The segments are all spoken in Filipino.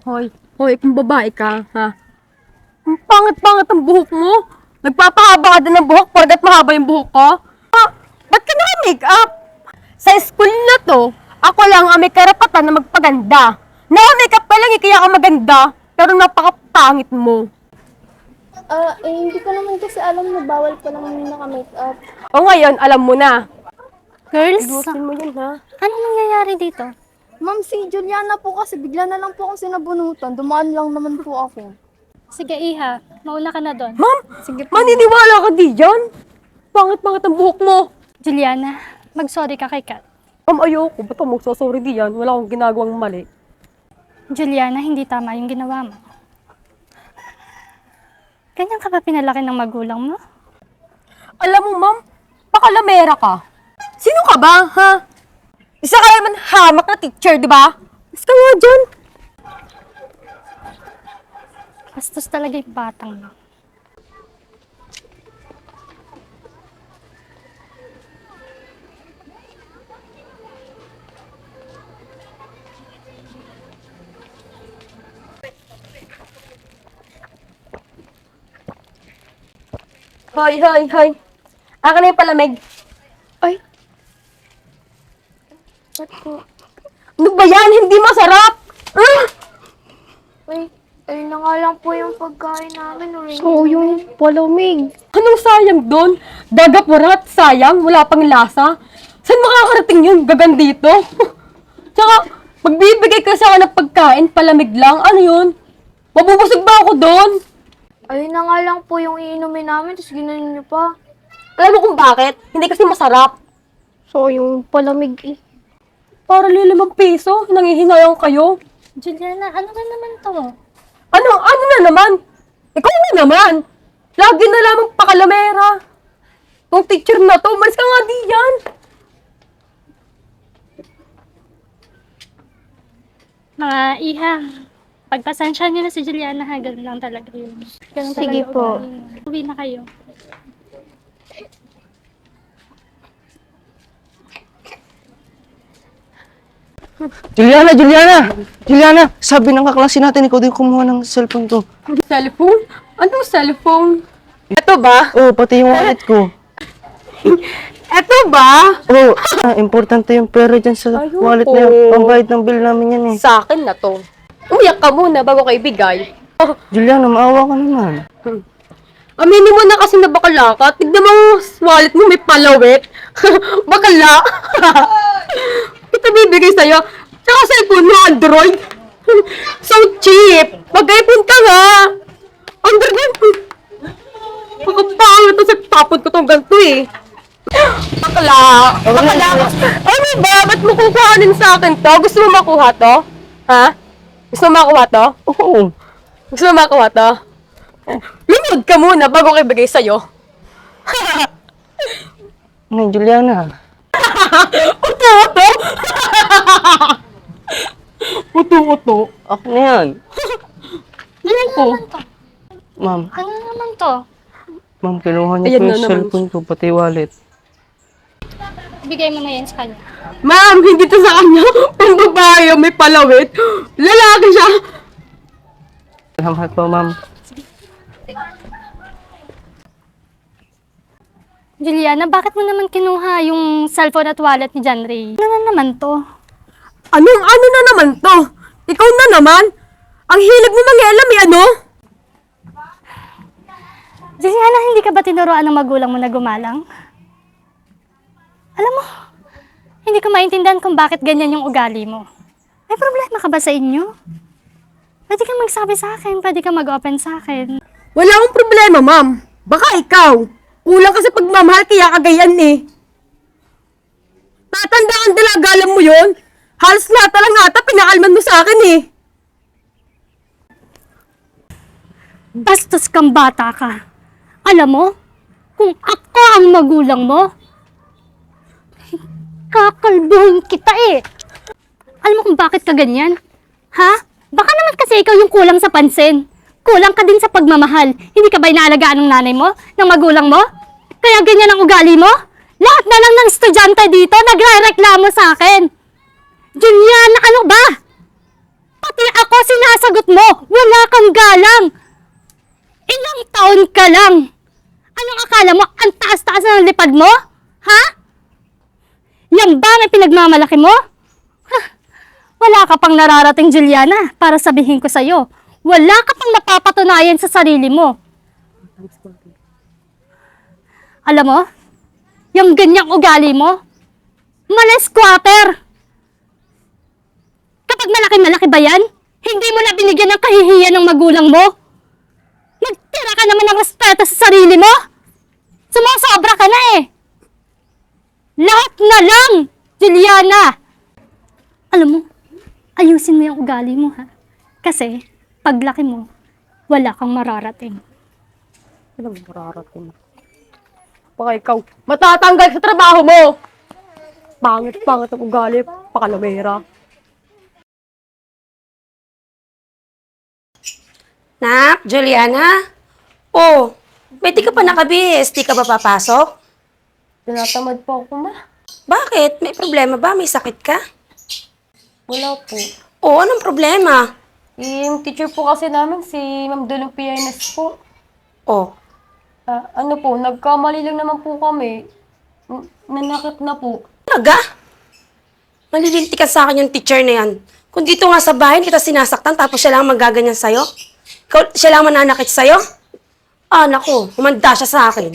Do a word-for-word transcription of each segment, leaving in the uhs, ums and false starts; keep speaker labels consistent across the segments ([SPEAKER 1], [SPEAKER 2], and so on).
[SPEAKER 1] Hoy, hoy, kung babae ka, ha? Ang pangit-pangit ang buhok mo. Nagpapahaba ka din ng buhok, porgat mahaba yung buhok ko. Ah, ba't ka naka-make up? Sa school na to, ako lang ang may karapatan na magpaganda. Naka-make up ka lang, eh, kaya ka maganda. Pero napakapangit mo.
[SPEAKER 2] Ah, eh, hindi ko naman kasi alam na bawal pa naman yung naka-makeup.
[SPEAKER 1] O ngayon, alam mo na.
[SPEAKER 3] Girls,
[SPEAKER 1] Ayusin mo yun, ha?
[SPEAKER 3] ano nangyayari dito?
[SPEAKER 2] Ma'am, si Juliana po kasi bigla na lang po akong sinabunutan. Dumaan lang naman po ako.
[SPEAKER 3] Sige, Iha. Mauna ka na doon.
[SPEAKER 1] Ma'am,
[SPEAKER 2] Sige po.
[SPEAKER 1] maniniwala ka di dyan? Pangit-pangit ang buhok mo.
[SPEAKER 3] Juliana, mag-sorry ka kay Kat.
[SPEAKER 1] Ma'am, ayoko. Ba't ako magsasorry di yan? Wala akong ginagawang mali.
[SPEAKER 3] Juliana, hindi tama yung ginawa mo. Ganyan ka ba pinalaki ng magulang mo?
[SPEAKER 1] Alam mo, ma'am, pakalamera ka. Sino ka ba, ha? Isa ka naman hamak na teacher, di ba? Basta nga dyan.
[SPEAKER 3] Bastos talaga yung batang mo.
[SPEAKER 1] Hoy, hoy, hoy. Aka na yung palamig.
[SPEAKER 2] Ay. Ba't po?
[SPEAKER 1] Ano ba yan? Hindi masarap. Ah!
[SPEAKER 2] Ay, ayun na nga lang po yung pagkain namin. Uring.
[SPEAKER 1] Oo, yung palamig. Anong sayang doon? Dagapurat, sayang, wala pang lasa. Saan makakarating yun? Gagan dito. Tsaka, magbibigay ka sa akin ng pagkain, palamig lang. Ano yun? Mabubusog ba ako doon?
[SPEAKER 2] Ayun na nga lang po yung iinumin namin, tapos ginanon niyo pa.
[SPEAKER 1] Alam mo kung bakit? Hindi kasi masarap.
[SPEAKER 2] So, yung palamig eh.
[SPEAKER 1] Para lilimang piso, nangihinayang kayo.
[SPEAKER 3] Juliana, ano ba naman to?
[SPEAKER 1] Ano, ano na naman? Ikaw na naman. Lagi na lamang pakalamera. Yung teacher na to, umalis ka nga di yan.
[SPEAKER 3] Mga Iha, pagpasensya niyo na si Juliana ha, ganun lang talaga yun. Ganun
[SPEAKER 2] Sige
[SPEAKER 3] talaga
[SPEAKER 2] po.
[SPEAKER 3] ugali niya. Uwi na kayo.
[SPEAKER 4] Juliana, Juliana! Juliana, sabi ng kaklase natin, ikaw din kumuha ng cellphone ko.
[SPEAKER 1] Cellphone? Anong cellphone? Ito ba?
[SPEAKER 4] Oo, pati yung wallet ko.
[SPEAKER 1] Ito ba?
[SPEAKER 4] Oo, ah, importante yung pera dyan sa
[SPEAKER 1] Ayun
[SPEAKER 4] wallet
[SPEAKER 1] po.
[SPEAKER 4] na yan. Pambayad ng bill namin yan eh.
[SPEAKER 1] Sa akin na to. Umiyak ka muna bago ka ibigay. Oh,
[SPEAKER 4] Juliana, maawa ka naman.
[SPEAKER 1] aminin mo na kasi na bakala ka. Tignan mo yung wallet mo, may palawit. Bakala. Ito bibigay sa'yo. Tsaka cellphone mo, Android. So cheap. Mag-iPhone ka nga. Android. Makapangit ito sa tapon ko tong ganito eh. Bakla. Bakla. Ano ba? Ba't mo kukuhanin sa akin to? Gusto mo makuha to? Ha? Gusto mo makuha to?
[SPEAKER 4] Oo.
[SPEAKER 1] Gusto mo makuha to? Lumod ka muna bago ko ibigay sa'yo.
[SPEAKER 4] Ngayon, Juliana.
[SPEAKER 1] Uto-uto! Uto-uto?
[SPEAKER 4] Ako na yan.
[SPEAKER 1] Ayoko.
[SPEAKER 4] Ma'am,
[SPEAKER 3] Ano naman to?
[SPEAKER 4] ma'am, kinuha niyo
[SPEAKER 1] Ayan
[SPEAKER 4] po
[SPEAKER 1] na
[SPEAKER 4] yung
[SPEAKER 1] naman.
[SPEAKER 4] cellphone ko, pati wallet.
[SPEAKER 3] Bigay mo na yan sa kanya.
[SPEAKER 1] Ma'am, hindi to sa kanya. Pang babae, may palawit. Lalaki siya.
[SPEAKER 4] Salamat po, ma'am.
[SPEAKER 3] Juliana, bakit mo naman kinuha yung cellphone at wallet ni John Ray? Ano na naman to?
[SPEAKER 1] Anong ano na naman to? Ikaw na naman? Ang hilig mo mangialam eh, ano?
[SPEAKER 3] Juliana, hindi ka ba tinuruan ng magulang mo na gumalang? Alam mo, hindi ko maintindihan kung bakit ganyan yung ugali mo. May problema ka ba sa inyo? Pwede kang magsabi sa akin, pwede kang mag-open sa akin.
[SPEAKER 1] Wala akong problema, ma'am. Baka ikaw. Kulang kasi pagmamahal kaya kagayan eh. Tatandaan dalagalan mo yun? Halos lahat na lang ata pinakalman mo sa akin eh.
[SPEAKER 3] Bastos kang bata ka. Alam mo, kung ako ang magulang mo, kakalbuhin kita eh. Alam mo kung bakit ka ganyan? Ha? Baka naman kasi ikaw yung kulang sa pansin. Kulang ka din sa pagmamahal. Hindi ka ba inaalagaan ng nanay mo? Ng magulang mo? Kaya ganyan ang ugali mo? Lahat na lang ng estudyante dito nagre-reklamo sa akin. Juliana, ano ba? Pati ako ako, sinasagot mo. Wala kang galang. Ilang taon ka lang. Anong akala mo? Ang taas-taas na ng lipad mo? Ha? Yan ba may pinagmamalaki mo? Ha? Wala ka pang nararating, Juliana, para sabihin ko sa'yo. Wala ka pang napapatunayan sa sarili mo. Alam mo, yung ganyang ugali mo, mala-squatter. Kapag malaki-malaki ba yan, hindi mo na binigyan ng kahihiyan ng magulang mo? Nagtira ka naman ng respeto sa sarili mo? Sumusobra ka na eh. Lahat na lang, Juliana. Alam mo, ayusin mo yung ugali mo ha. Kasi, paglaki mo, wala kang mararating.
[SPEAKER 1] Ano ba mararating? Baka ikaw, matatanggal sa trabaho mo! Pangit-pangit ang ugali, pakalamera.
[SPEAKER 5] Nak, Juliana? Oh, ba't di ka pa nakabihis? Di ka ba papasok?
[SPEAKER 1] Tinatamad po ako, ma.
[SPEAKER 5] Bakit? May problema ba? May sakit ka?
[SPEAKER 1] Wala po.
[SPEAKER 5] Oh, anong problema?
[SPEAKER 1] Yung teacher po kasi namin, si Ma'am Dulong Pianes po.
[SPEAKER 5] Oh,
[SPEAKER 1] Ah, ano po, nagkamali lang naman po kami. N- Nanakit na po.
[SPEAKER 5] talaga? Malilinti ka sa akin yung teacher na yan. Kung dito nga sa bahay, kita sinasaktan, tapos siya lang magaganyan sa'yo? Ikaw, siya lang mananakit sa'yo? Ah, naku, humanda siya sa akin.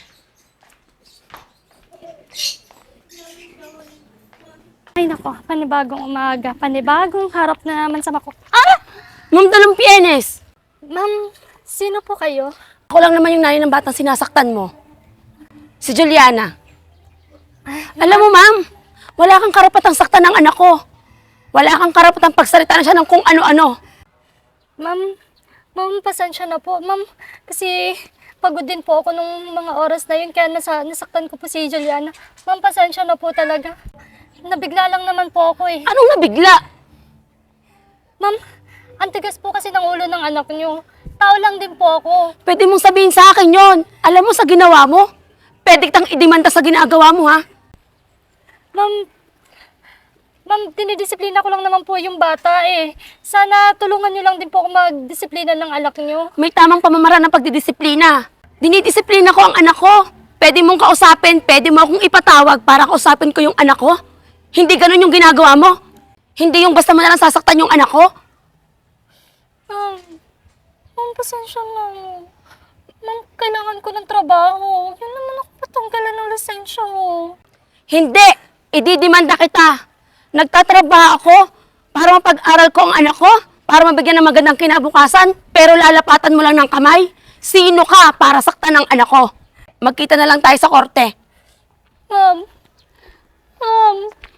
[SPEAKER 3] Ay nako, panibagong umaga, panibagong harap na naman sa mako. Ah!
[SPEAKER 5] Ma'am Dalong Pienes!
[SPEAKER 3] Ma'am, sino po kayo?
[SPEAKER 5] Ako lang naman yung nanay ng batang sinasaktan mo. Si Juliana. Alam mo, ma'am, wala kang karapatang saktan ng anak ko. Wala kang karapatang pagsalita na siya ng kung ano-ano.
[SPEAKER 3] Ma'am, ma'am, pasensya na po. Ma'am, kasi pagod din po ako nung mga oras na yun, kaya nasa, nasaktan ko po si Juliana. Ma'am, pasensya na po talaga. Nabigla lang naman po ako eh.
[SPEAKER 5] Anong nabigla?
[SPEAKER 3] Ma'am, ang tigas po kasi ng ulo ng anak niyo. Tao lang din po ako.
[SPEAKER 5] Pwede mong sabihin sa akin yon. Alam mo sa ginawa mo? Pwede kitang idemanda sa ginagawa mo, ha?
[SPEAKER 3] Ma'am, ma'am, dinidisiplina ko lang naman po yung bata eh. Sana tulungan niyo lang din po ako magdisiplina ng anak niyo.
[SPEAKER 5] May tamang pamamaraan ng pagdidisiplina. Dinidisiplina ko ang anak ko. Pwede mong kausapin, pwede mo akong ipatawag para kausapin ko yung anak ko. Hindi ganun yung ginagawa mo. Hindi yung basta mo na lang sasaktan yung anak ko.
[SPEAKER 3] Ma'am, ma'am, pasensya na. Ma'am, kailangan ko ng trabaho. Yun naman ako patanggalan ng lisensya ko.
[SPEAKER 5] Hindi! Ididimanda kita. Nagtatrabaho ako para mapag-aral ko ang anak ko, para mabigyan ng magandang kinabukasan, pero lalapatan mo lang ng kamay. Sino ka para saktan ng anak ko? Magkita na lang tayo sa korte.
[SPEAKER 3] Ma'am, ma'am,